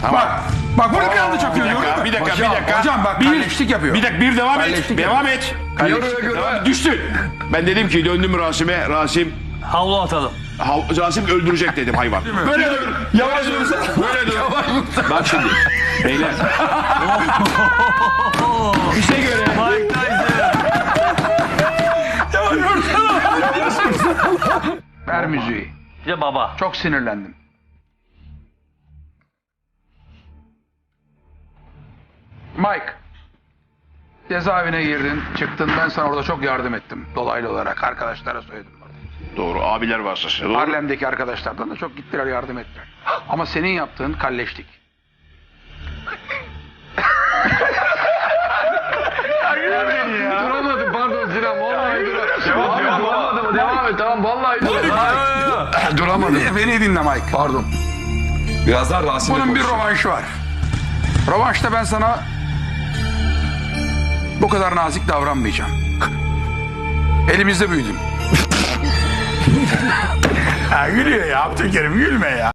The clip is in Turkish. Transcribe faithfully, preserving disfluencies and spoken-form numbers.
Tamam. Bak. Bak bunu bir anda çakıyor. Bir gördün dakika, mü? bir dakika, Hocam, bir dakika. Hocam bak Bir- kalleşlik yapıyor. Bir dakika, bir devam et. Kalleşlik Devam et. Kalleşlik. Devam et. Düştü. Ben dedim ki döndüm Rasim'e. Rasim, Havlu atalım. ha- Rasim öldürecek dedim hayvan. Böyle dur. Yavaş dur. Böyle dur. Bak şimdi. Beyler. Bize göre. Mike Tyson. Ver müziği. Ya baba. Çok sinirlendim. Mike. Cezaevine girdin, çıktın. Ben sana orada çok yardım ettim. Dolaylı olarak arkadaşlara söyledim. Doğru, abiler vasıtası. Doğru. Harlem'deki arkadaşlardan da çok gittiler, yardım ettiler. Ama senin yaptığın kalleşlik. Duramadım pardon Sinan vallahi duramadım. Duramadım devam et tamam vallahi duramadım. Duramadım. Beni dinle Mike. Pardon. Birazdan Rasim'le Bunun bir konuşalım. rövanşı var. Rövanşta ben sana bu kadar nazik davranmayacağım. Elimizde büyüdüm. Ha, gülüyor ya Abdülkerim, gülme ya.